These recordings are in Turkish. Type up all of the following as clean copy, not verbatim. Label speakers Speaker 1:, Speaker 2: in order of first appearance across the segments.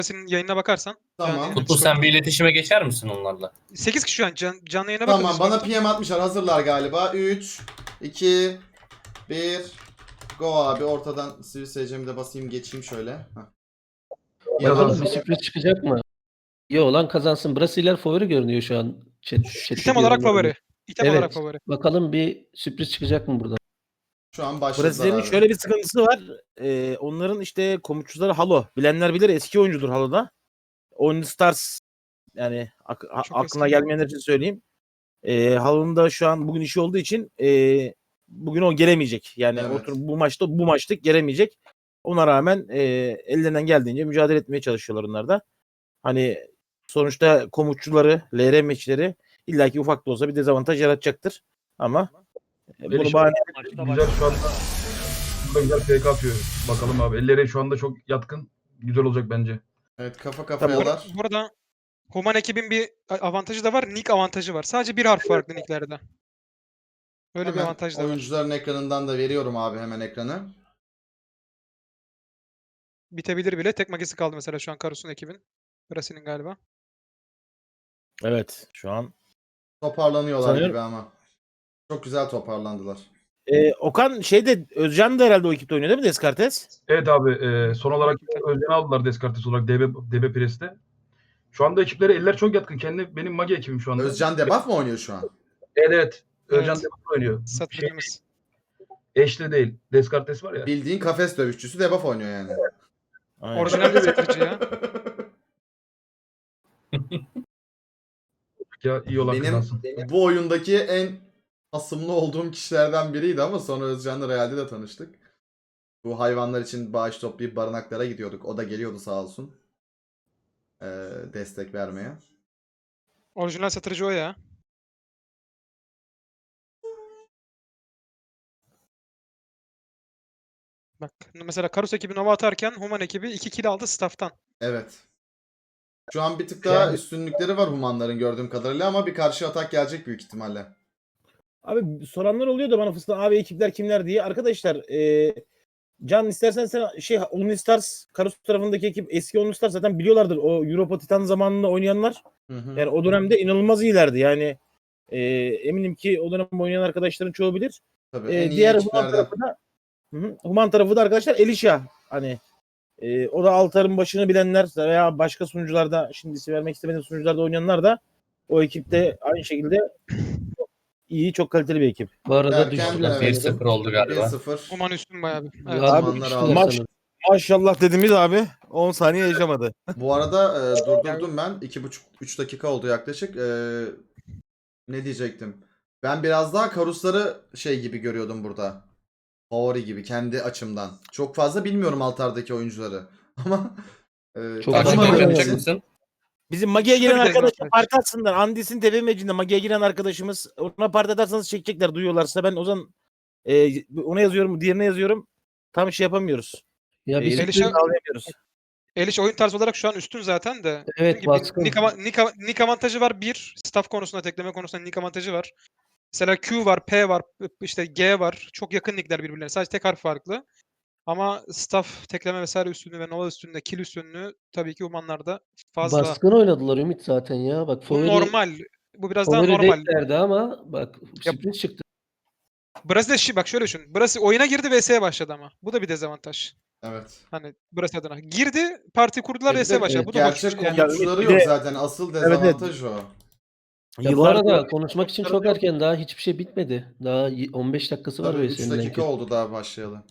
Speaker 1: senin yayınına bakarsan.
Speaker 2: Tamam.
Speaker 3: Kutlu sen bir iletişime geçer misin onlarla?
Speaker 1: 8 kişi şu an canlı yayına bakın.
Speaker 2: Tamam bana
Speaker 1: Discord'dan.
Speaker 2: PM atmışlar. Hazırlar galiba. 3, 2, 1. Go abi. Ortadan sivil SC'mi de basayım geçeyim şöyle.
Speaker 4: Bakalım bir sürpriz çıkacak mı? Yo lan kazansın. Brasiler favori görünüyor şu an.
Speaker 1: İtem olarak favori. İtem
Speaker 4: Evet.
Speaker 1: olarak favori.
Speaker 4: Bakalım bir sürpriz çıkacak mı buradan?
Speaker 2: Şu an başladılar
Speaker 5: Brezilya'nın
Speaker 2: abi.
Speaker 5: şöyle bir sıkıntısı var. Onların işte komutçuları Halo. Bilenler bilir, eski oyuncudur Halo'da. Oyun Stars, yani aklına
Speaker 1: eski.
Speaker 5: gelmeyenler için söyleyeyim. Halo'nun da şu an bugün işi olduğu için bugün o gelemeyecek. Yani
Speaker 2: Evet.
Speaker 5: bu maçta gelemeyecek. Ona rağmen ellerinden geldiğince mücadele etmeye çalışıyorlar onlar da. Hani sonuçta komutçuları, LR meçleri illaki ufak da olsa bir dezavantaj yaratacaktır. Ama bunu bahane
Speaker 6: Güzel şu anda. Burada güzel PK atıyor. Bakalım abi. Elleri şu anda çok yatkın. Güzel olacak bence.
Speaker 2: Evet kafa kafayalar.
Speaker 1: Burada Human ekibin bir avantajı da var. Nick avantajı var. Sadece bir harf farklı nicklerde. Öyle bir
Speaker 2: Hemen
Speaker 1: avantaj da var.
Speaker 2: oyuncuların ekranından da veriyorum abi hemen ekranı.
Speaker 1: Bitebilir bile. Tek magisi kaldı mesela şu an Karus'un ekibin. Brasi'nin galiba.
Speaker 5: evet şu an.
Speaker 2: Toparlanıyorlar
Speaker 5: Sanıyorum-
Speaker 2: gibi ama. Çok güzel toparlandılar.
Speaker 5: Okan Özcan da herhalde o ekipte oynuyor değil mi Descartes?
Speaker 6: Evet abi. Son olarak Özden'i aldılar Descartes olarak DB Press'te. Şu anda ekiplere eller çok yatkın. Benim Magi ekibim şu anda.
Speaker 2: Özcan debuff mı oynuyor şu an?
Speaker 6: Evet. Özcan
Speaker 1: Evet.
Speaker 6: debuff oynuyor.
Speaker 1: Satıcımız.
Speaker 6: Eşli değil. Descartes var ya.
Speaker 2: Bildiğin kafes dövüşçüsü debuff oynuyor yani.
Speaker 5: Aynen.
Speaker 1: Orijinal bir satıcı ya.
Speaker 6: Ya iyi olan
Speaker 2: Benim
Speaker 6: kazansın.
Speaker 2: bu oyundaki en asımlı olduğum kişilerden biriydi ama sonra Özcan'la realde de tanıştık. Bu hayvanlar için bağış toplayıp barınaklara gidiyorduk. O da geliyordu sağ olsun. Destek vermeye.
Speaker 1: Orijinal satıcı o ya. Bak mesela Karus ekibi Nova atarken Human ekibi 2 kill aldı staff'tan.
Speaker 2: Evet. Şu an bir tık daha üstünlükleri var Humanların gördüğüm kadarıyla ama bir karşı atak gelecek büyük ihtimalle.
Speaker 5: Abi soranlar oluyor da bana fıstık abi ekipler kimler diye. Arkadaşlar Can istersen sen Only Stars Karus tarafındaki ekip eski Only Stars zaten biliyorlardır. O Europa Titan zamanında oynayanlar
Speaker 2: Hı hı.
Speaker 5: yani o dönemde inanılmaz iyilerdi. Yani eminim ki o dönem oynayan arkadaşların çoğu bilir.
Speaker 2: Tabii en iyi
Speaker 5: Diğer Human
Speaker 2: ekiplerden.
Speaker 5: tarafı da Human tarafı da arkadaşlar Elisha. Hani o da Altar'ın başını bilenler veya başka sunucularda şimdi isim vermek istemediğim sunucularda oynayanlar da o ekipte aynı şekilde çok iyi, çok kaliteli bir ekip.
Speaker 4: Bu arada
Speaker 2: Derken,
Speaker 4: düştüler.
Speaker 2: evet.
Speaker 3: 1-0 oldu galiba.
Speaker 2: 1-0.
Speaker 1: Human üstün bayağı bir. Evet.
Speaker 4: Abi
Speaker 2: Humanlar
Speaker 4: düştüler
Speaker 2: aldı.
Speaker 5: Maç-
Speaker 4: sanırım.
Speaker 5: Maşallah dediğimiz abi 10 saniye yaşamadı.
Speaker 2: Bu arada durdurdum ben. 2,5-3 dakika oldu yaklaşık. Ne diyecektim? Ben biraz daha Karusları şey gibi görüyordum burada. Favori gibi kendi açımdan. Çok fazla bilmiyorum Altar'daki oyuncuları. Ama
Speaker 4: Çok
Speaker 3: Karşı
Speaker 4: fazla
Speaker 3: kim
Speaker 4: bilmiyorum.
Speaker 3: yapacak mısın?
Speaker 5: Bizim Magi'ye
Speaker 1: Şurada
Speaker 5: giren
Speaker 1: bir
Speaker 5: arkadaşlar
Speaker 1: dezavantaj.
Speaker 5: parti atsınlar. Andis'in TV mecinde Magi'ye giren arkadaşımız. Ona parti atarsanız çekecekler duyuyorlarsa. Ben o zaman ona yazıyorum, diğerine yazıyorum. Tam şey yapamıyoruz.
Speaker 4: Ya bir
Speaker 5: İletişim
Speaker 4: sürpriz,
Speaker 1: Elisha-
Speaker 5: sağlayamıyoruz.
Speaker 1: Eliş oyun tarzı olarak şu an üstün zaten de.
Speaker 4: Evet,
Speaker 1: Dediğim gibi
Speaker 4: baskın.
Speaker 1: Nick avantajı var bir. Staff konusunda, tekleme konusunda Nick avantajı var. Mesela Q var, P var, işte G var. Çok yakın nickler birbirlerine. Sadece tek harf farklı. Ama staff, tekleme vesaire üstünlüğü ve Nova üstünlüğü, kill üstünlüğü tabii ki Humanlarda fazla.
Speaker 4: baskın oynadılar Ümit zaten ya. Bak
Speaker 1: Bu
Speaker 4: favori,
Speaker 1: normal. Bu biraz daha
Speaker 4: favori
Speaker 1: normal.
Speaker 4: değillerdi ama bak sürpriz çıktı.
Speaker 1: Brezilya bak şöyle düşün. Brezilya oyuna girdi VS'ye başladı ama. Bu da bir dezavantaj.
Speaker 2: evet.
Speaker 1: Hani Brezilya adına. Girdi, parti kurdular,
Speaker 2: Bir
Speaker 1: VS'ye
Speaker 2: de
Speaker 1: başladı. Bu da hoş.
Speaker 2: gerçek
Speaker 1: Yani
Speaker 2: komutçuları
Speaker 5: bir
Speaker 2: yok
Speaker 5: de-
Speaker 2: zaten. Asıl
Speaker 5: evet.
Speaker 2: dezavantaj o.
Speaker 4: Ya bu
Speaker 5: Yıllardır
Speaker 4: arada konuşmak için çok erken, daha hiçbir şey bitmedi. Daha 15 dakikası var
Speaker 2: Tabii 3
Speaker 4: VS'nin
Speaker 2: dakika
Speaker 4: belki.
Speaker 2: oldu daha başlayalı.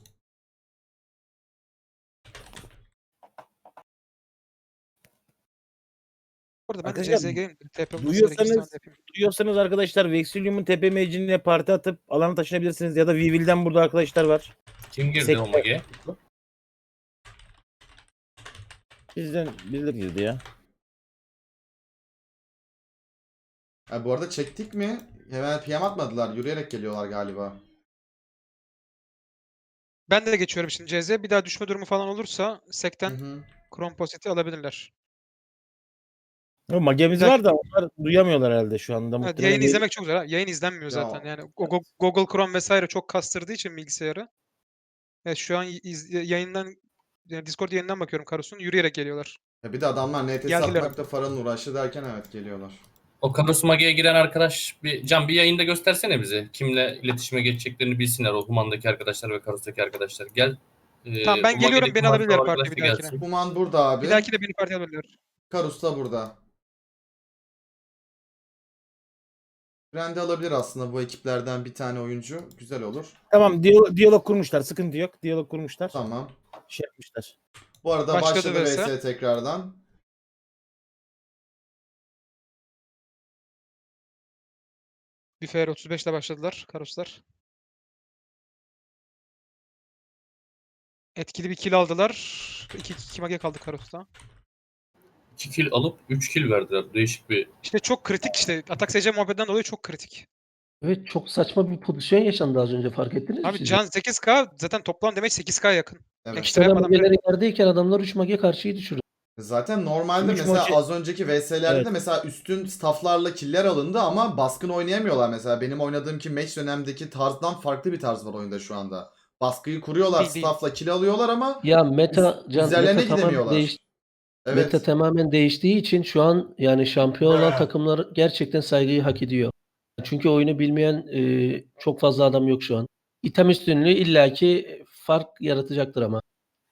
Speaker 1: Orada ben de
Speaker 5: Arkadaşlar,
Speaker 1: CZG'yim. TP
Speaker 5: duyuyorsanız arkadaşlar Vexilium'un tepe mecine parti atıp alana taşınabilirsiniz ya da Vivil'den burada arkadaşlar var.
Speaker 3: Kim girdi
Speaker 5: Sekte.
Speaker 3: o Magi'ye?
Speaker 5: Bizden birileri girdi ya.
Speaker 2: Ha, bu arada çektik mi? Hemen PM atmadılar. Yürüyerek geliyorlar galiba.
Speaker 1: Ben de geçiyorum şimdi CZ. Bir daha düşme durumu falan olursa
Speaker 2: Hı
Speaker 1: Sekten
Speaker 2: hı.
Speaker 1: Chrome Posit'i alabilirler.
Speaker 5: O magemiz var da onlar duyamıyorlar herhalde şu anda.
Speaker 1: Evet,
Speaker 5: Muhtemelen
Speaker 1: yayın izlemek çok zor. Ha. Yayın izlenmiyor
Speaker 2: Ya,
Speaker 1: zaten. Yani Google Chrome vesaire çok kastırdığı için bilgisayarı. Evet, şu an yayından, yani Discord yayından bakıyorum Karus'un. Yürüyerek geliyorlar.
Speaker 2: Ya bir de adamlar NTS
Speaker 1: Geldiler.
Speaker 2: atmakta paranın uğraşı derken evet geliyorlar.
Speaker 3: O Karus Magi'ye giren arkadaş bir yayında göstersene bize. Kimle iletişime geçeceklerini bilsinler o Human'daki arkadaşlar ve Karus'taki arkadaşlar. Gel.
Speaker 1: Tamam, ben
Speaker 3: o
Speaker 1: geliyorum,
Speaker 3: Magi'deki
Speaker 1: beni
Speaker 3: Human
Speaker 1: alabilirler
Speaker 3: arkadaş
Speaker 1: partiye
Speaker 3: da
Speaker 1: bir dahakine.
Speaker 3: gelsin.
Speaker 2: Human burada abi.
Speaker 1: Bir dahaki de beni partiye alabilirler.
Speaker 2: Karus da burada. Brand'i alabilir aslında bu ekiplerden bir tane oyuncu. Güzel olur.
Speaker 5: Tamam, diyalog kurmuşlar. Sıkıntı yok. Diyalog kurmuşlar.
Speaker 2: Tamam.
Speaker 5: Şey yapmışlar.
Speaker 2: Bu arada
Speaker 1: Başladı
Speaker 2: başladı
Speaker 1: VS.
Speaker 2: VS tekrardan.
Speaker 1: Bir FR 35 ile başladılar Karuslar. Etkili bir kill aldılar. 2 mage kaldı Karus'ta.
Speaker 3: 2 kill alıp 3 kill verdiler. Değişik bir
Speaker 1: İşte çok kritik işte. Atak SC muhabbetinden dolayı çok kritik.
Speaker 4: Evet, çok saçma bir pozisyon yaşandı az önce, fark ettiniz mi
Speaker 1: Abi
Speaker 4: siz?
Speaker 1: can 8k zaten toplam demek 8k yakın.
Speaker 2: Evet.
Speaker 1: Ekstra
Speaker 4: Ekstra
Speaker 1: yapmadan bile.
Speaker 4: mageleri yerdeyken adamlar 3 mage karşıyı düşürdü.
Speaker 2: Zaten normalde
Speaker 5: Üç
Speaker 2: mesela
Speaker 5: maçı-
Speaker 2: az önceki VS'lerde
Speaker 5: Evet.
Speaker 2: de mesela üstün stafflarla killer alındı ama baskın oynayamıyorlar mesela. Benim oynadığım ki match dönemdeki tarzdan farklı bir tarz var oyunda şu anda. Baskıyı kuruyorlar,
Speaker 1: Değil, değil.
Speaker 2: staffla kill alıyorlar ama
Speaker 4: Ya meta
Speaker 2: üzerlerine
Speaker 4: meta tamamen
Speaker 2: gidemiyorlar.
Speaker 4: değişti.
Speaker 2: Evet.
Speaker 4: Meta tamamen değiştiği için şu an yani şampiyon olan takımlar gerçekten saygıyı hak ediyor. Çünkü oyunu bilmeyen çok fazla adam yok şu an. İtem üstünlüğü illaki fark yaratacaktır ama.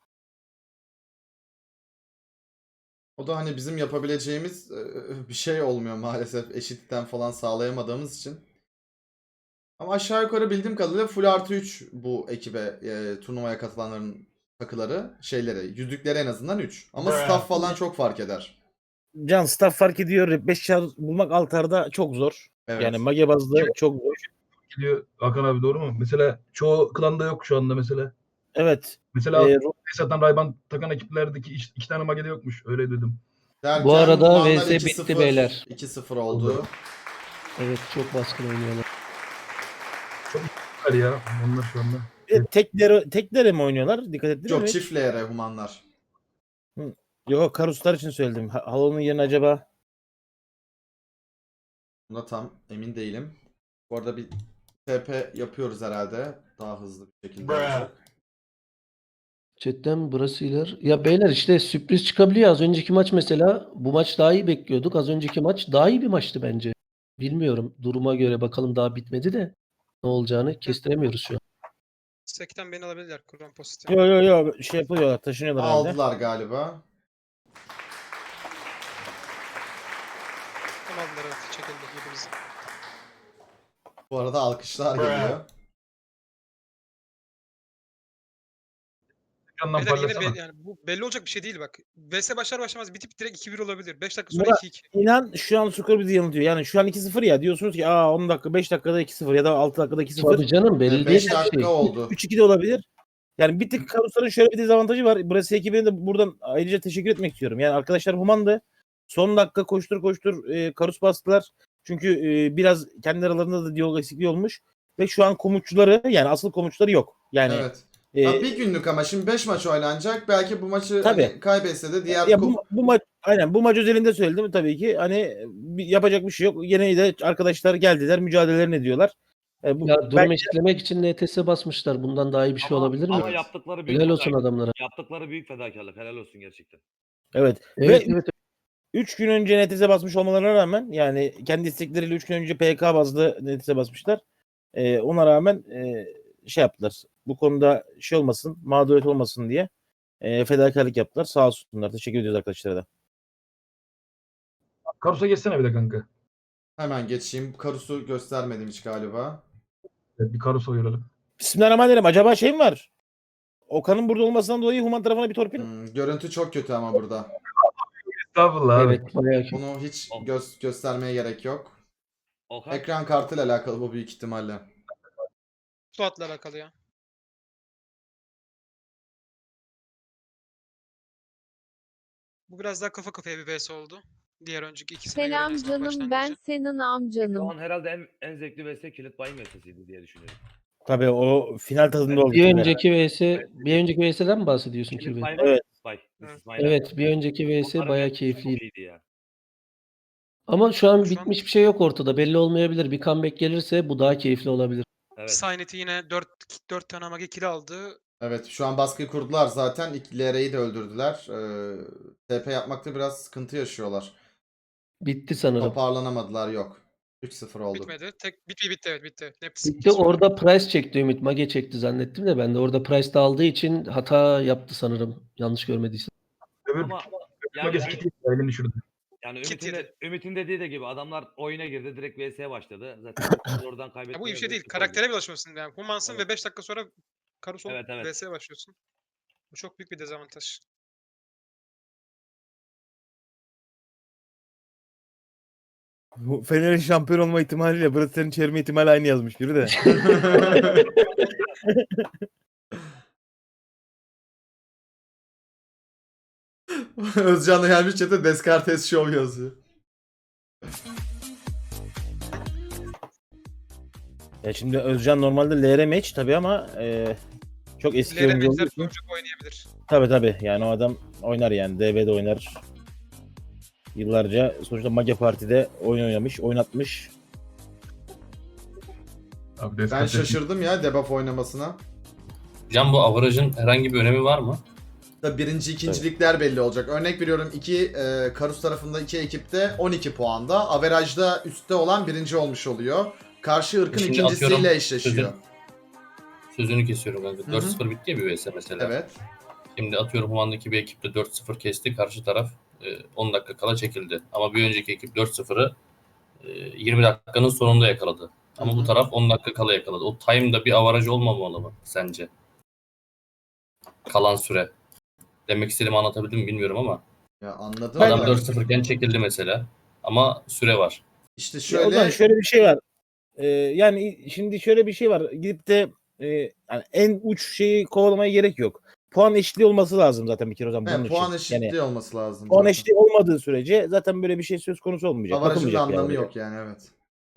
Speaker 2: O da hani bizim yapabileceğimiz bir şey olmuyor maalesef eşitten falan sağlayamadığımız için. Ama aşağı yukarı bildiğim kadarıyla full artı 3 bu ekibe turnuvaya katılanların takıları şeyleri yüzükleri en azından 3. Ama staff falan çok fark eder.
Speaker 5: Can staff fark ediyor. 5 çar bulmak altarda çok zor.
Speaker 2: Evet.
Speaker 5: Yani mage bazlı çok zor.
Speaker 6: Gidiyor Hakan abi, doğru mu? Mesela çoğu klanda yok şu anda mesela.
Speaker 5: Evet.
Speaker 6: Mesela
Speaker 5: Ee,
Speaker 6: Esat'tan Rayban takan ekiplerdeki iki tane magede yokmuş. Öyle dedim.
Speaker 2: Derken
Speaker 4: Bu arada
Speaker 2: Humanlar
Speaker 4: VS
Speaker 2: 2-0,
Speaker 4: bitti beyler.
Speaker 2: 2-0 oldu.
Speaker 4: Evet, çok baskın oynuyorlar.
Speaker 6: Hadi ya onlar şu anda.
Speaker 5: teklere mi oynuyorlar? Dikkat ettiniz
Speaker 2: Yok
Speaker 5: mi?
Speaker 2: çift LR Humanlar.
Speaker 5: Yok, Karuslar için söyledim. Halo'nun yerine acaba
Speaker 2: Buna tam emin değilim. Bu arada bir TP yapıyoruz herhalde. Daha hızlı bir şekilde olacak.
Speaker 4: Chatten Brasiler. Ya beyler, işte sürpriz çıkabiliyor. Az önceki maç mesela, bu maç daha iyi bekliyorduk. Az önceki maç daha iyi bir maçtı bence. Bilmiyorum. Duruma göre bakalım, daha bitmedi de ne olacağını kestiremiyoruz şu an.
Speaker 1: Sekten beni alabilirler Kurban pozitif.
Speaker 5: Yo şey yapıyorlar, taşınıyorlar herhalde.
Speaker 2: Aldılar galiba.
Speaker 1: Tam aldılar, evet, çekildi yedimiz.
Speaker 2: Bu arada alkışlar geliyor.
Speaker 6: Yandan
Speaker 1: Beyler yine
Speaker 6: parlasana.
Speaker 1: yani bu belli olacak bir şey değil bak. VS başlar başlamaz bitip direkt 2-1 olabilir. 5 dakika sonra
Speaker 5: Murat,
Speaker 1: 2-2.
Speaker 5: İnan şu an skor bizi yanıltıyor. Yani şu an 2-0 ya, diyorsunuz ki 10 dakika 5 dakikada 2-0 ya da 6 dakikada 2-0.
Speaker 4: Tabii canım, belli değil
Speaker 2: 5
Speaker 4: her
Speaker 2: dakika
Speaker 4: şey.
Speaker 2: oldu.
Speaker 5: 3-2 de olabilir. Yani bir tık Karusların şöyle bir dezavantajı var. Burası ekibine de buradan ayrıca teşekkür etmek istiyorum. Yani arkadaşlar Human'dı. Son dakika koştur Karus bastılar. Çünkü biraz kendi aralarında da diyalog eksikliği olmuş. Ve şu an komutçuları, yani asıl komutçuları yok. Yani
Speaker 2: Evet.
Speaker 5: e,
Speaker 2: Ha, bir günlük ama şimdi 5 maç oynanacak. Belki bu maçı
Speaker 5: Tabii.
Speaker 2: hani kaybetse de diğer
Speaker 5: ya bu maç, aynen bu maç özelinde söyledim tabii ki. Hani yapacak bir şey yok. Yine de arkadaşlar geldiler, mücadelelerini ediyorlar.
Speaker 4: Ya durum eşitlemek için NTS basmışlar. Bundan daha iyi bir şey olabilir mi?
Speaker 7: Ama yaptıkları büyük
Speaker 4: Helal olsun adamlara.
Speaker 7: Yaptıkları büyük fedakarlık. Helal olsun gerçekten.
Speaker 5: Evet.
Speaker 4: Evet,
Speaker 5: Ve
Speaker 4: evet.
Speaker 5: 3 gün önce NTS'e basmış olmalarına rağmen, yani kendi istekleriyle 3 gün önce PK bazlı NTS'e basmışlar. Ona rağmen şey yaptılar. Bu konuda şey olmasın, mağduriyet olmasın diye fedakarlık yaptılar. Sağ olsunlar. Teşekkür ediyoruz arkadaşlara da.
Speaker 6: Karus'a geçsene bir de kanka.
Speaker 2: Hemen geçeyim. Karus'u göstermedim hiç galiba.
Speaker 6: Evet, bir Karus'a görelim.
Speaker 5: Bismillahirrahmanirrahim. Acaba şey mi var? Okan'ın burada olmasından dolayı Human tarafına bir torpil.
Speaker 2: Görüntü çok kötü ama burada.
Speaker 6: Estağfurullah abi.
Speaker 4: Evet, bayağı kötü.
Speaker 2: Bunu hiç göstermeye gerek yok.
Speaker 7: Okan.
Speaker 2: Ekran kartıyla alakalı bu büyük ihtimalle.
Speaker 1: Suat'la alakalı ya. Bu biraz daha kafa kafaya bir VS oldu. Diğer önceki ikisine göre en
Speaker 8: Selam
Speaker 1: azından
Speaker 8: canım, ben
Speaker 1: başlangıcı.
Speaker 8: senin
Speaker 7: Şu
Speaker 8: amcanım.
Speaker 7: an herhalde en zevkli vs kilit bayım vs'iydi diye düşünüyorum.
Speaker 5: Tabii o final tadında oldu.
Speaker 4: Bir
Speaker 5: tabii.
Speaker 4: önceki VS'den mi bahsediyorsun
Speaker 7: Kilit
Speaker 4: Kirby?
Speaker 7: bayım
Speaker 5: Evet.
Speaker 7: Bay.
Speaker 1: Evet.
Speaker 4: Evet, bir önceki VS
Speaker 7: Onların
Speaker 4: bayağı
Speaker 7: VS'si
Speaker 4: keyifliydi.
Speaker 7: çok iyiydi ya.
Speaker 4: Ama şu an
Speaker 1: Şu an-
Speaker 4: bitmiş bir şey yok ortada. Belli olmayabilir. Bir comeback gelirse bu daha keyifli olabilir.
Speaker 7: Evet.
Speaker 1: Saynet'i yine 4 tane mage kill aldı.
Speaker 2: Evet, şu an baskıyı kurdular zaten. İlk LR'yi de öldürdüler. TP yapmakta biraz sıkıntı yaşıyorlar.
Speaker 4: Bitti sanırım.
Speaker 2: Toparlanamadılar, yok. 3-0 oldu.
Speaker 1: Bitmedi. Bitti evet bitti.
Speaker 4: Bitti. Orada Price çekti Ümit. Mage çekti zannettim de ben de. Orada Price de aldığı için hata yaptı sanırım. Yanlış görmediysem.
Speaker 6: Öbür
Speaker 7: Ama yani,
Speaker 6: magesi kiti elini düşürdü.
Speaker 7: yani
Speaker 1: Kit
Speaker 7: Ümit'in dediği de gibi adamlar oyuna girdi. Direkt VS'ye başladı. Zaten biz oradan
Speaker 1: Ya
Speaker 7: kaybetmeye
Speaker 1: bu iyi bir şey değil.
Speaker 7: sıfır
Speaker 1: Karaktere
Speaker 7: oldu.
Speaker 1: bir alışmasın yani. Humansın
Speaker 7: Evet.
Speaker 1: ve 5 dakika sonra Karus olup
Speaker 7: Evet.
Speaker 1: VS'ye başlıyorsun. Bu çok büyük bir dezavantaj.
Speaker 5: Bu Fener'in şampiyon olma ihtimaliyle Brasser'in çevirme ihtimali aynı yazmış biri de.
Speaker 2: Özcan da gelmiş chat'e Descartes Show yazıyor.
Speaker 5: Ya şimdi Özcan normalde LR match tabii ama çok eski oyuncu olduğu
Speaker 1: LRM'ler
Speaker 5: için.
Speaker 1: sonucu oynayabilir.
Speaker 5: Tabii yani o adam oynar yani. DB'de oynar. Yıllarca sonuçta Mage Parti'de oyun oynamış, oynatmış.
Speaker 6: Abi
Speaker 2: Ben
Speaker 6: Descartes
Speaker 2: şaşırdım ya debuff oynamasına.
Speaker 3: Can bu average'ın herhangi bir önemi var mı?
Speaker 2: Da birinci, ikincilikler belli olacak. Örnek veriyorum Karus tarafında iki ekipte 12 puanda. Average'da üstte olan birinci olmuş oluyor. Karşı ırkın
Speaker 3: Şimdi
Speaker 2: ikincisiyle
Speaker 3: atıyorum,
Speaker 2: eşleşiyor.
Speaker 3: Sözünü kesiyorum kanka.
Speaker 2: Hı hı.
Speaker 3: 4-0 bitti ya bir vs mesela.
Speaker 2: Evet.
Speaker 3: Şimdi atıyorum Human'daki bir ekipte 4-0 kesti. Karşı taraf 10 dakika kala çekildi. Ama bir önceki ekip 4-0'ı 20 dakikanın sonunda yakaladı. Ama
Speaker 2: Hı hı.
Speaker 3: bu taraf 10 dakika kala yakaladı. O time'da bir avaraj olmamalı mı sence? Kalan süre. Demek istediğimi anlatabildim mi bilmiyorum ama.
Speaker 2: Ya anladım
Speaker 3: Adam
Speaker 2: da.
Speaker 3: 4-0 iken çekildi mesela. Ama süre var.
Speaker 2: İşte
Speaker 5: Ya o zaman
Speaker 2: şöyle
Speaker 5: şöyle bir şey var. Yani şimdi şöyle bir şey var. Gidip de yani en uç şeyi kovalamaya gerek yok. Puan eşitliği olması lazım zaten bir kere o zaman bunun
Speaker 2: puan
Speaker 5: için.
Speaker 2: eşitliği
Speaker 5: Yani
Speaker 2: olması lazım
Speaker 5: puan
Speaker 2: zaten.
Speaker 5: eşitliği olmadığı sürece zaten böyle bir şey söz konusu olmayacak.
Speaker 2: Avarajın da
Speaker 5: Bakılmayacak yani
Speaker 2: anlamı
Speaker 5: oraya.
Speaker 2: yok yani, evet.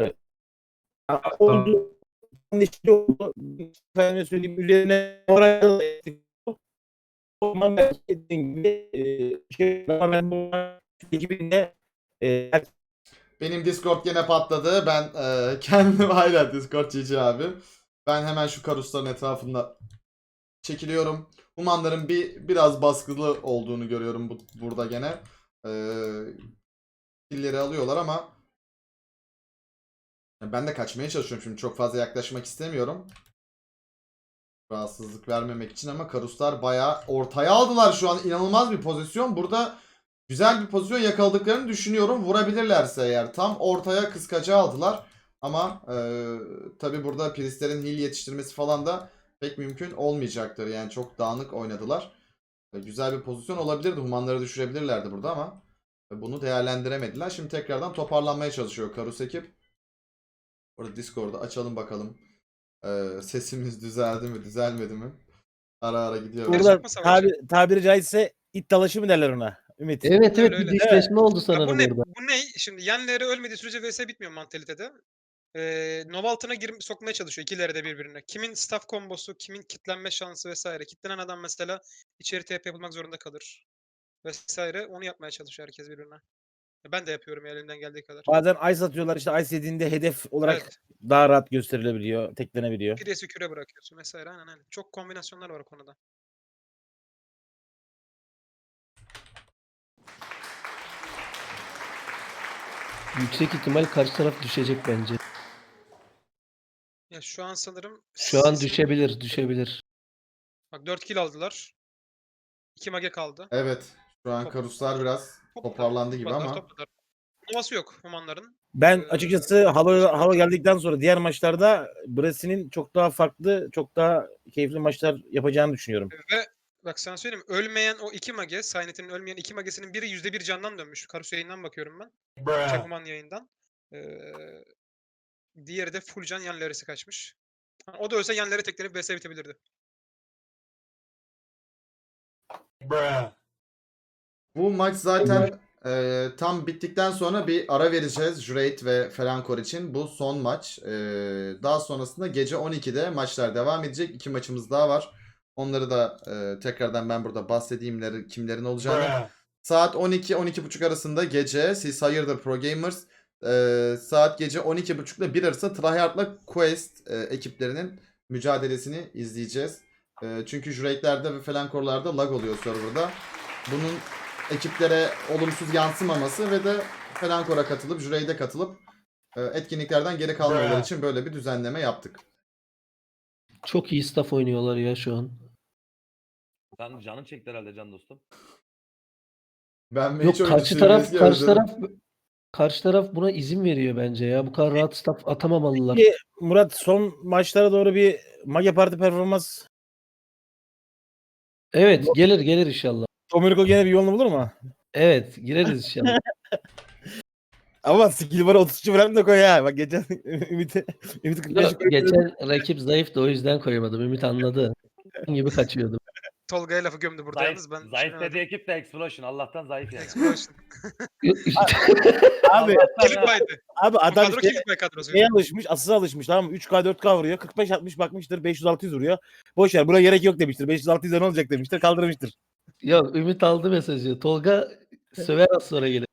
Speaker 5: Oldu. Puan eşitliği oldu. Efendime söyleyeyim üzerine moral o zaman belki dediğin gibi ama ben bu ekibinde
Speaker 2: Benim Discord gene patladı. Ben kendim aynen Discord GG abi. Ben hemen şu karusların etrafında çekiliyorum. Humanların biraz baskılı olduğunu görüyorum burada gene. Killeri alıyorlar ama ben de kaçmaya çalışıyorum şimdi. Çok fazla yaklaşmak istemiyorum. Rahatsızlık vermemek için ama karuslar bayağı ortaya aldılar şu an. İnanılmaz bir pozisyon. Burada güzel bir pozisyon yakaladıklarını düşünüyorum. Vurabilirlerse eğer. Tam ortaya kıskaca aldılar. Ama tabi burada Priestlerin heal yetiştirmesi falan da pek mümkün olmayacaktır. Yani çok dağınık oynadılar. Güzel bir pozisyon olabilirdi. Humanları düşürebilirlerdi burada ama bunu değerlendiremediler. Şimdi tekrardan toparlanmaya çalışıyor Karus ekip. Orada Discord'u açalım bakalım. Sesimiz düzeldi mi, düzelmedi mi? Ara ara gidiyor.
Speaker 1: Gerçek
Speaker 5: burada
Speaker 1: mi savaşı?
Speaker 5: tabiri caizse it dalaşı mı derler ona? Ümit.
Speaker 4: Evet
Speaker 1: Öyle,
Speaker 4: bir
Speaker 1: öyle.
Speaker 4: dişleşme oldu
Speaker 1: Ya
Speaker 4: sanırım orada.
Speaker 1: bu ne? Şimdi yenleri ölmediği sürece vs bitmiyor mantalitede. Nova altına sokmaya çalışıyor ikileri de birbirine. Kimin staff kombosu, kimin kitlenme şansı vesaire. Kitlenen adam mesela içeri TP yapılmak zorunda kalır. Vesaire. Onu yapmaya çalışıyor herkes birbirine. Ben de yapıyorum ya, elimden geldiği kadar.
Speaker 5: Bazen ice atıyorlar işte ice yediğinde hedef olarak
Speaker 1: Evet.
Speaker 5: daha rahat gösterilebiliyor, teklenebiliyor.
Speaker 1: Piresi küre bırakıyorsun vesaire. Aynen. Çok kombinasyonlar var o konuda.
Speaker 4: Yüksek ihtimal karşı taraf düşecek bence.
Speaker 1: Ya şu an sanırım
Speaker 4: Şu an düşebilir.
Speaker 1: Bak 4 kill aldılar. 2 mage kaldı.
Speaker 2: Evet. Şu an
Speaker 1: Top-
Speaker 2: karuslar biraz toparlandı gibi ama.
Speaker 1: Topladılar. Novası yok Humanların.
Speaker 5: Ben açıkçası hava geldikten sonra diğer maçlarda Brasi'nin çok daha farklı, çok daha keyifli maçlar yapacağını düşünüyorum.
Speaker 1: Ve bak sana söyleyeyim, ölmeyen o 2 mage, Saynet'in ölmeyen 2 magesinin biri %1 candan dönmüş. Karus yayından bakıyorum ben. Human yayından. Diğeri de full can yan leresi kaçmış. O da ölse yan lere teklenip vs bitebilirdi.
Speaker 2: Bu maç zaten tam bittikten sonra bir ara vereceğiz Jureit ve Felankor için. Bu son maç. Daha sonrasında gece 12'de maçlar devam edecek. 2 maçımız daha var. Onları da tekrardan ben burada bahsedeyim kimlerin olacağını. Saat 12-12.30 arasında gece siz hayırdır Pro Gamers. Saat gece 12.30 ile 1 arası Tryhard'la Quest ekiplerinin mücadelesini izleyeceğiz. Çünkü Jurade'lerde ve Felankor'larda lag oluyor serverda. Bunun ekiplere olumsuz yansımaması ve de Felankor'a katılıp, Jurade'e katılıp etkinliklerden geri kalmamaları için böyle bir düzenleme yaptık.
Speaker 4: Çok iyi staff oynuyorlar ya şu an.
Speaker 7: Sen canın çekti herhalde can dostum.
Speaker 2: Ben
Speaker 4: Yok,
Speaker 2: hiç oyuncu
Speaker 4: karşı taraf
Speaker 2: sürmesi
Speaker 4: karşı
Speaker 2: özledim.
Speaker 4: taraf karşı taraf buna izin veriyor bence ya. Bu kadar rahat staff atamamalılar.
Speaker 5: Peki Murat, son maçlara doğru bir Mage Parti performans,
Speaker 4: Evet, gelir inşallah.
Speaker 5: Domenico gene bir yolunu bulur mu?
Speaker 4: Evet, gireriz inşallah.
Speaker 5: Ama skill bara 33 falan da koy ha. Bak geçen Ümit'i 45
Speaker 4: Geçen rakip zayıftı, o yüzden koyamadım. Ümit anladı. gibi kaçıyordum.
Speaker 1: Tolga'ya lafı gömdü burada
Speaker 7: Zayıf,
Speaker 1: yalnız ben
Speaker 7: zayıf
Speaker 1: düşünemedim.
Speaker 7: dediği ekip de Explosion. Allah'tan zayıf yani.
Speaker 1: Explosion.
Speaker 5: Abi
Speaker 1: Kilit baydı.
Speaker 5: abi
Speaker 1: Bu
Speaker 5: adam
Speaker 1: kadro kilit bay kadrosu.
Speaker 5: şeye alışmış, asıza alışmış, tamam mı? 3K 4K vuruyor. 45-60 bakmıştır. 500-600 vuruyor. Boş ver, buna gerek yok demiştir. 500-600'e ne olacak demiştir. Kaldırmıştır.
Speaker 4: Yok, Ümit aldı mesajı. Tolga söver az sonra gelir.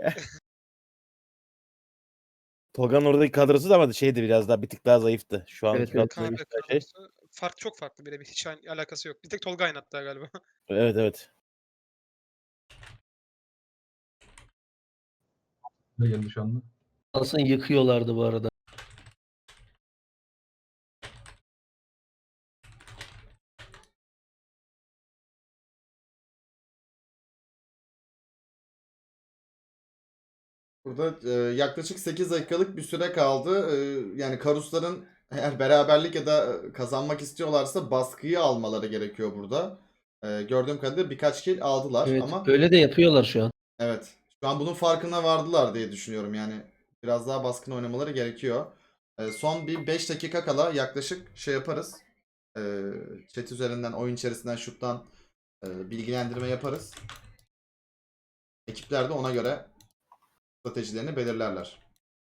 Speaker 5: Tolga'nın oradaki kadrosu da ama şeydi, biraz daha bir tık daha zayıftı. Şu an
Speaker 4: Evet, evet.
Speaker 1: Kanka
Speaker 5: şey.
Speaker 1: kadrosu çok farklı birebir. Hiç alakası yok. Bir tek Tolga aynı hatta galiba.
Speaker 5: Evet evet.
Speaker 6: Ne geldi şu anda?
Speaker 4: Aslında yıkıyorlardı bu arada.
Speaker 2: Burada yaklaşık 8 dakikalık bir süre kaldı. Yani Karusların eğer beraberlik ya da kazanmak istiyorlarsa baskıyı almaları gerekiyor burada. Gördüğüm kadarıyla birkaç kill aldılar
Speaker 4: Evet,
Speaker 2: ama
Speaker 4: öyle de yapıyorlar şu an.
Speaker 2: evet, şu an bunun farkına vardılar diye düşünüyorum. Yani biraz daha baskın oynamaları gerekiyor. Son bir 5 dakika kala yaklaşık şey yaparız. Chat üzerinden, oyun içerisinden, şuttan bilgilendirme yaparız. Ekipler de ona göre stratejilerini belirlerler.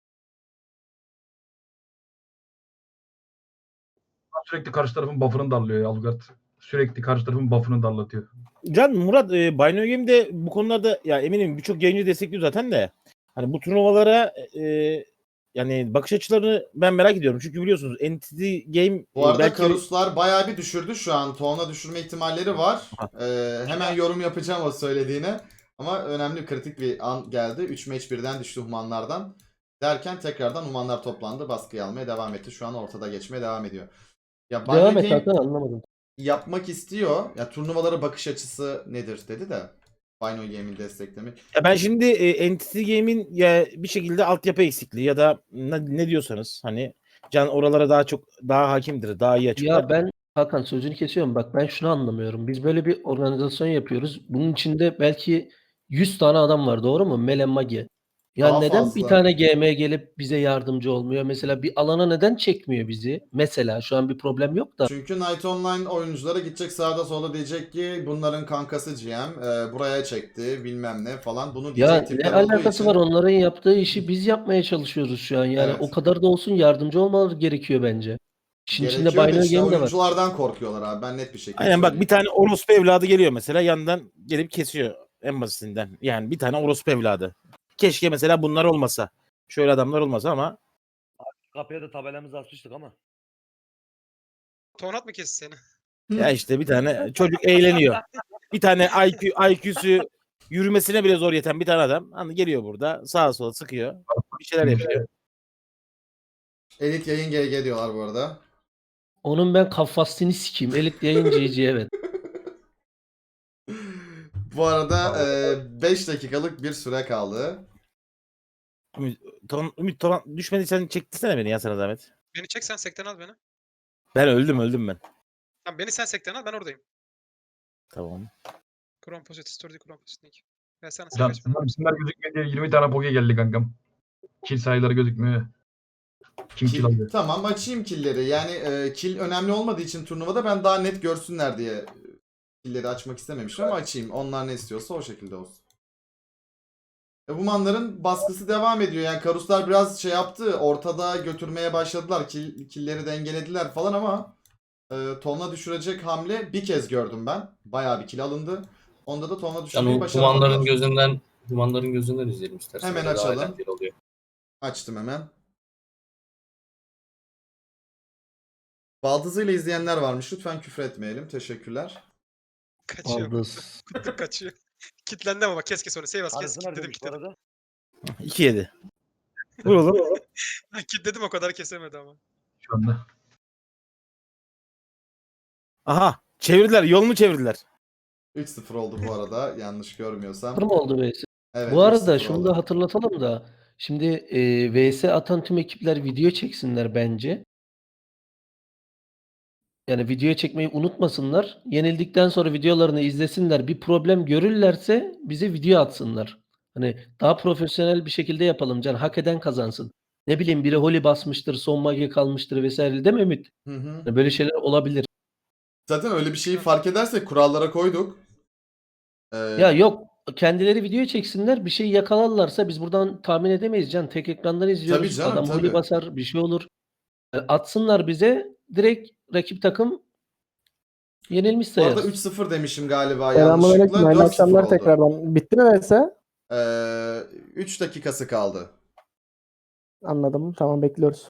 Speaker 6: Sürekli karşı tarafın buff'ını darlıyor ya Algard. Sürekli karşı tarafın buff'ını darlatıyor.
Speaker 5: Can, Murat, Binary Game'de bu konularda ya eminim birçok yayıncı destekliyor zaten de. Hani bu turnuvalara yani bakış açılarını ben merak ediyorum. Çünkü biliyorsunuz Entity Game
Speaker 2: Bu arada
Speaker 5: belki
Speaker 2: Karuslar bayağı bir düşürdü şu an. Toğuna düşürme ihtimalleri var. Hemen yorum yapacağım o söylediğine. Ama önemli, kritik bir an geldi. 3 match birden düştü Humanlardan. Derken tekrardan Humanlar toplandı. Baskıyı almaya devam etti. Şu an ortada geçmeye devam ediyor. Ya
Speaker 4: Devam
Speaker 2: Binary
Speaker 4: et
Speaker 2: Game
Speaker 4: Hakan, anlamadım.
Speaker 2: yapmak istiyor. Ya turnuvalara bakış açısı nedir dedi de. Binary Game'in desteklemi.
Speaker 5: ya ben şimdi Entity Game'in ya bir şekilde altyapı eksikliği ya da ne diyorsanız, hani Can oralara daha hakimdir, daha iyi açıklar.
Speaker 4: Ya ben Hakan, sözünü kesiyorum. Bak, ben şunu anlamıyorum. Biz böyle bir organizasyon yapıyoruz. Bunun içinde belki 100 tane adam var, doğru mu? Mele Mage. Ya
Speaker 2: Daha
Speaker 4: neden bir
Speaker 2: fazla.
Speaker 4: tane GM gelip bize yardımcı olmuyor? Mesela bir alana neden çekmiyor bizi? Mesela şu an bir problem yok da.
Speaker 2: Çünkü Night Online oyunculara gidecek sağda solda, diyecek ki bunların kankası GM buraya çekti bilmem ne falan. Bunu
Speaker 4: Ya
Speaker 2: diyecek
Speaker 4: ne
Speaker 2: tipler olduğu
Speaker 4: alakası
Speaker 2: için.
Speaker 4: var? Onların yaptığı işi biz yapmaya çalışıyoruz şu an. Yani
Speaker 2: Evet.
Speaker 4: o kadar da olsun, yardımcı olmaları gerekiyor bence. İşin içinde
Speaker 2: Gerekiyor da
Speaker 4: Binary
Speaker 2: işte
Speaker 4: Game de var.
Speaker 2: oyunculardan korkuyorlar abi. Ben net bir şekilde
Speaker 5: Aynen, bak
Speaker 2: söyleyeyim.
Speaker 5: bir tane orospu evladı geliyor mesela, yandan gelip kesiyor en basitinden. Yani bir tane orospu evladı. Keşke mesela bunlar olmasa. Şöyle adamlar olmasa ama
Speaker 7: Kapıya da tabelamızı asmıştık ama.
Speaker 1: Tonat mı kesti seni?
Speaker 5: ya işte bir tane çocuk eğleniyor. Bir tane IQ'su yürümesine bile zor yeten bir tane adam hani geliyor burada sağa sola sıkıyor. Bir şeyler yapıyor.
Speaker 2: Elit yayın GG diyorlar bu arada.
Speaker 4: Onun ben kafasını sikeyim. Elit yayıncı evet.
Speaker 2: Bu arada 5 dakikalık bir süre kaldı.
Speaker 5: Ümit düşmediysen çektirsene beni ya, sana zahmet.
Speaker 1: Beni çek, sen sekten al beni.
Speaker 5: Ben öldüm ben.
Speaker 1: Tamam, beni sen sekten al, ben oradayım.
Speaker 5: Tamam.
Speaker 1: Kron Posit, Story Kron Posit Nick. Ben sana
Speaker 6: Can,
Speaker 1: kaç bana.
Speaker 6: isimler gözükmüyor diye 20 tane poke geldi kankam. Kill sayıları gözükmüyor. Kim kill alıyor?
Speaker 2: Tamam, açayım killleri. Yani kill önemli olmadığı için turnuvada ben daha net görsünler diye killleri açmak istememiştim ama açayım. Onlar ne istiyorsa o şekilde olsun. Humanların baskısı devam ediyor. Yani Karuslar biraz şey yaptı. Ortada götürmeye başladılar. Killleri dengelediler falan ama tonla düşürecek hamle bir kez gördüm ben. Bayağı bir kill alındı. Onda da tonla düşürmeyi
Speaker 3: Yani
Speaker 2: başaramadılar.
Speaker 3: Humanların gözünden izleyelim istersen.
Speaker 2: Hemen
Speaker 3: Öyle daha
Speaker 2: açalım.
Speaker 3: eğlenceli oluyor.
Speaker 2: Açtım hemen. Baldızıyla izleyenler varmış. Lütfen küfür etmeyelim. Teşekkürler.
Speaker 1: Kaçıyor.
Speaker 4: Baldız.
Speaker 1: Kutluk kaçıyor. Kitlendi ama bak kes onu. Seyvas kes.
Speaker 7: Arasınlar
Speaker 1: Kitledim
Speaker 7: demiş bu
Speaker 1: kitledim.
Speaker 7: arada.
Speaker 5: 2-7. Vur oğlum.
Speaker 1: Kitledim o kadar kesemedi ama.
Speaker 6: Şu anda.
Speaker 5: Aha. Çevirdiler. Yolunu çevirdiler.
Speaker 2: 3-0 oldu bu arada. Yanlış görmüyorsam.
Speaker 4: Sıfır mı oldu VS?
Speaker 2: Evet,
Speaker 4: Bu arada
Speaker 2: 3-0
Speaker 4: şunu
Speaker 2: oldu.
Speaker 4: da hatırlatalım da şimdi VS atan tüm ekipler video çeksinler bence. Yani video çekmeyi unutmasınlar. Yenildikten sonra videolarını izlesinler. Bir problem görürlerse bize video atsınlar. Hani daha profesyonel bir şekilde yapalım. Can hak eden kazansın. Ne bileyim biri Holy basmıştır, son mage kalmıştır vesaire değil mi Ümit?
Speaker 2: Hı hı.
Speaker 4: Yani böyle şeyler olabilir.
Speaker 2: Zaten öyle bir şeyi fark edersek kurallara koyduk.
Speaker 4: Ya yok kendileri video çeksinler. Bir şey yakalarlarsa biz buradan tahmin edemeyiz Can. Tek ekrandan izliyoruz.
Speaker 2: Tabii canım,
Speaker 4: Adam
Speaker 2: tabii.
Speaker 4: Holy basar bir şey olur. Yani atsınlar bize direkt rakip takım yenilmiş
Speaker 2: Bu arada
Speaker 4: sayarız.
Speaker 2: 3-0 demişim galiba
Speaker 8: Selamünaleyküm.
Speaker 2: yanlışlıkla.
Speaker 8: Hayırlı
Speaker 2: 4-0
Speaker 8: akşamlar
Speaker 2: oldu.
Speaker 8: tekrardan. Bitti mi vs?
Speaker 2: 3 dakikası kaldı.
Speaker 8: Anladım. Tamam bekliyoruz.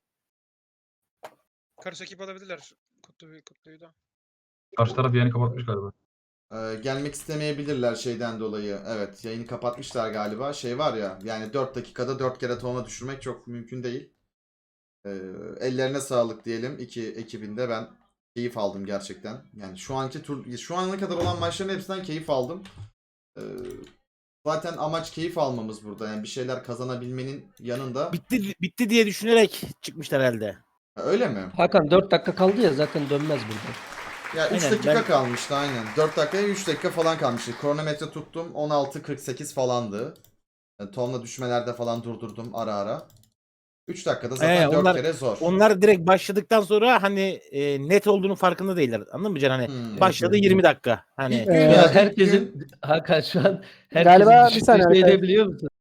Speaker 1: Karşı ekip alabilirler. Kutluyu da.
Speaker 6: Karşı taraf yayını kapatmış galiba.
Speaker 2: Gelmek istemeyebilirler şeyden dolayı. Evet, yayını kapatmışlar galiba. Şey var ya, yani 4 dakikada 4 kere tona düşürmek çok mümkün değil. Ellerine sağlık diyelim iki ekibinde. Ben keyif aldım gerçekten. Yani şu ana kadar olan maçların hepsinden keyif aldım. Zaten amaç keyif almamız burada. Yani bir şeyler kazanabilmenin yanında.
Speaker 5: Bitti diye düşünerek çıkmışlar herhalde.
Speaker 2: Öyle mi?
Speaker 4: Hakan 4 dakika kaldı ya zaten dönmez burada.
Speaker 2: Ya 3
Speaker 5: Aynen,
Speaker 2: dakika
Speaker 5: ben-
Speaker 2: kalmıştı aynen. 4 dakikaya 3 dakika falan kalmıştı. Kronometre tuttum 16.48 falandı. Yani tonla düşmelerde falan durdurdum ara ara. 3 dakikada zaten 4
Speaker 5: onlar-
Speaker 2: kere zor.
Speaker 5: Onlar direkt başladıktan sonra hani net olduğunun farkında değiller. Anladın mı Can? Hani başladı 20 dakika. Hani
Speaker 2: İlk gün
Speaker 8: Ee,
Speaker 2: ya,
Speaker 4: Ya
Speaker 2: ilk
Speaker 4: herkesin
Speaker 2: gün-
Speaker 4: Hakan şu an
Speaker 8: Galiba
Speaker 4: herkesin
Speaker 8: bir
Speaker 4: düşündüğü
Speaker 8: saniye
Speaker 4: şey
Speaker 8: arkadaşlar.
Speaker 4: ne biliyor musun?